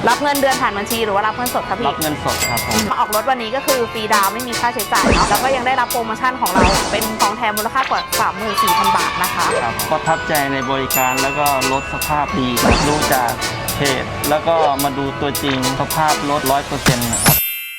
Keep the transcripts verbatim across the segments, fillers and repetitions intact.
รับเงินเดือนผ่านบัญชีหรือว่ารับเงินสดครับพี่รับเงินสดครับผมมาออกรถวันนี้ก็คือฟรีดาวไม่มีค่าใช้จ่ายเนาะแล้วก็ยังได้รับโปรโมชั่นของเราเป็นของแถมมูลค่ากว่า สามหมื่นสี่พัน บาทนะคะครับประทับใจในบริการแล้วก็รถสภาพดีครับดูจากเพจแล้วก็มาดูตัวจริงสภาพรถ ร้อยเปอร์เซ็นต์ นะครับ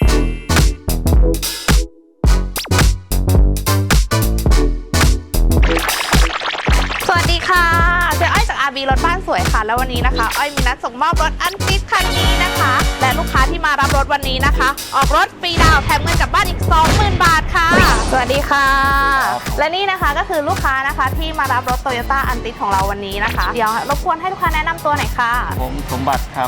สวัสดีค่ะเจ๊อ้อยจาก อาร์ บี รถบ้านสวยค่ะแล้ววันนี้นะคะอ้อยมีนัดส่งมอบรถอันติดคันนี้นะคะและลูกค้าที่มารับรถวันนี้นะคะออกรถฟรีดาวแถมเงินกลับบ้านอีก สองหมื่น บาทค่ะสวัสดีค่ะและนี่นะคะก็คือลูกค้านะคะที่มารับรถ Toyota อันติดของเราวันนี้นะคะเดี๋ยวรบกวนให้ลูกค้าแนะนำตัวหน่อยค่ะผมสมบัติครับ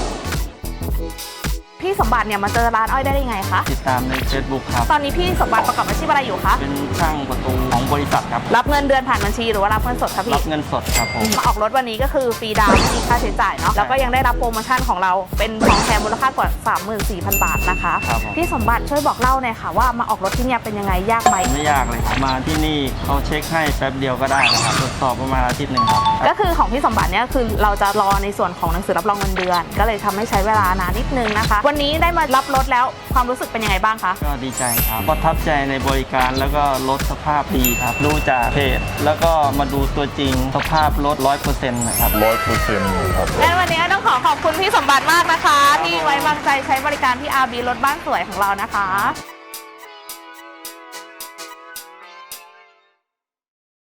พี่สมบัติเนี่ยมาเจอร้านอ้อยได้ยังไงคะติดตามใน เฟซบุ๊ก ครับตอนนี้พี่สมบัติประกอบอาชีพอะไรอยู่คะเป็นช่างประตูของบริษัทครับรับเงินเดือนผ่านบัญชีหรือว่ารับเงินสดครับพี่รับเงินสดครับผมมาออกรถวันนี้ก็คือฟรีดาวไม่มีค่าใช้จ่ายเนาะแล้วก็ยังได้รับโปรโมชั่นของเราเป็นของแถมมูลค่ากว่า สามหมื่นสี่พัน บาทนะคะพี่สมบัติช่วยบอกเล่าหน่อยค่ะว่ามาออกรถที่เนี่ยเป็นยังไงยากไหมไม่ยากเลยครับมาที่นี่เขาเช็คให้แป๊บเดียวก็ได้นะครับตรวจสอบประมาณอาทิตย์หนึ่งครับก็คือของพี่สมบัติเนี่ยคือเราจะรอในส่วนของหนังสือรับรองเงินเดือนก็เลยทำให้ใช้เวลานานนิดนึงนะคะวันนี้ได้มารับรถแล้วความรู้สึกเป็นยังไงบ้างคะก็ดีใจครับประทับใจในบริการแล้วก็รถสภาพดีครับดูจากเพจแล้วก็มาดูตัวจริงสภาพรถ ร้อยเปอร์เซ็นต์ นะครับร้อยเปอร์เซ็นต์ ครับและวันนี้ต้องขอขอบคุณพี่สมบัติมากนะคะที่ไว้วางใจใช้บริการที่ อาร์ บี รถบ้านสวยของเรานะคะ